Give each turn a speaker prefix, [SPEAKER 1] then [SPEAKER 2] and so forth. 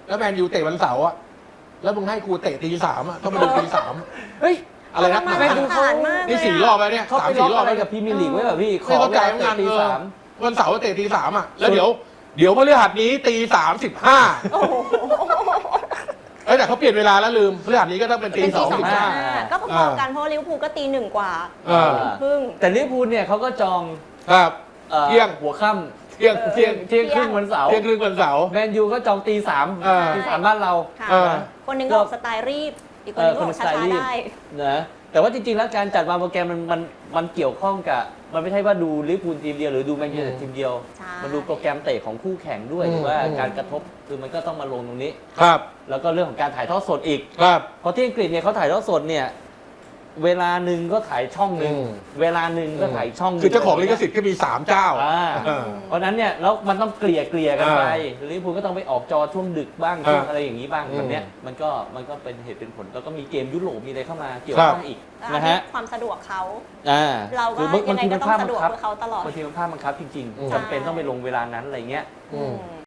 [SPEAKER 1] แล้วแมนยูเตะวันเสาร์อะแล้วมึงให้กูเตะตี 3อะต้องมาดูตี 3เฮ้ยอะไรนะ
[SPEAKER 2] แมนยูเขา
[SPEAKER 1] นี่4 รอบแล้วเนี่ย
[SPEAKER 3] เขาไปล็อกอะไรกับพรีเมียร์ลีกไว้แบบพี่ข
[SPEAKER 1] ไม่
[SPEAKER 3] อ
[SPEAKER 1] เข้าใจ
[SPEAKER 3] เวลา
[SPEAKER 1] เหมือน
[SPEAKER 3] เตะ
[SPEAKER 1] กัน
[SPEAKER 3] ตี 3
[SPEAKER 1] วันเสาร์เตะตี 3อะแล้วเดี๋ยวพฤหัสนี้ตี 3:15
[SPEAKER 2] โอ้โห
[SPEAKER 1] แต่เขาเปลี่ยนเวลาแล้วลืมพฤหัสนี้ก็ต้องเป็นตี
[SPEAKER 2] เป็นตี
[SPEAKER 1] 2:15
[SPEAKER 2] ก็พอๆกันเพราะลิเวอร์พูลก็ตี 1 กว่า ครึ่ง
[SPEAKER 3] แต่ลิเวอร์พูลเนี่ยเขาก็จอง
[SPEAKER 1] ครับ เที่ยง
[SPEAKER 3] หัวค่ำ
[SPEAKER 1] เที่ยง
[SPEAKER 3] เที่ยงครึ่งวันเสาร์
[SPEAKER 1] เที่ยงครึ่งวันเสาร์
[SPEAKER 3] แมนยูก็จองตี 3 ตี 3บ้านเรา
[SPEAKER 2] ค่ะ
[SPEAKER 1] เออ
[SPEAKER 2] คนหนึงก็ออกสไตล์รีบ อีกคนหนึงก็ออกช้าๆได้
[SPEAKER 3] นะแต่ว่าจริงๆแล้วการจัดวางโปรแกรมมันเกี่ยวข้องกับมันไม่ใช่ว่าดูลิเวอร์พูลทีมเดียวหรือดูแมนยูทีมเดียว
[SPEAKER 2] ใช่
[SPEAKER 3] มันดูโปรแกรมเตะของคู่แข่งด้วยว่าการกระทบคือมันก็ต้องมาลงตรงนี้
[SPEAKER 1] ครับ
[SPEAKER 3] แล้วก็เรื่องของการถ่ายทอดสดอีก
[SPEAKER 1] ครับ
[SPEAKER 3] เพราะที่อังกฤษเนี่ยเขาถ่ายทอดสดเนี่ยเวลาหนึ่งก็ถ่ายช่องหนึ่ง
[SPEAKER 1] อืม
[SPEAKER 3] เวลาหนึ่งก็ถ่ายช่องหนึ่ง
[SPEAKER 1] คือเจ้าของลิขสิทธิ์ก็มี3 เจ้า เออ
[SPEAKER 3] เพราะฉะนั้นเนี่ยแล้วมันต้องเกลี่ยกันไปลิเวอร์พูลก็ต้องไปออกจอช่วงดึกบ้างช่วงอะไรอย่างนี้บ้างแบบเนี้ยมันก็เป็นเหตุเป็นผลแล้วก็มีเกมยุโรปมีอะไรเข้ามาเกี่ยวข้องอีกนะฮะ
[SPEAKER 2] ความสะดวกเขา
[SPEAKER 3] เรา
[SPEAKER 2] ก็ยังไงก็ต้องสะดวกเพื่อเขาตลอด
[SPEAKER 3] บางทีมันพลาดบังคับจริง
[SPEAKER 1] อืม
[SPEAKER 3] ๆจำเป็นต้องไปลงเวลานั้นอะไรเงี้ย
[SPEAKER 1] อืม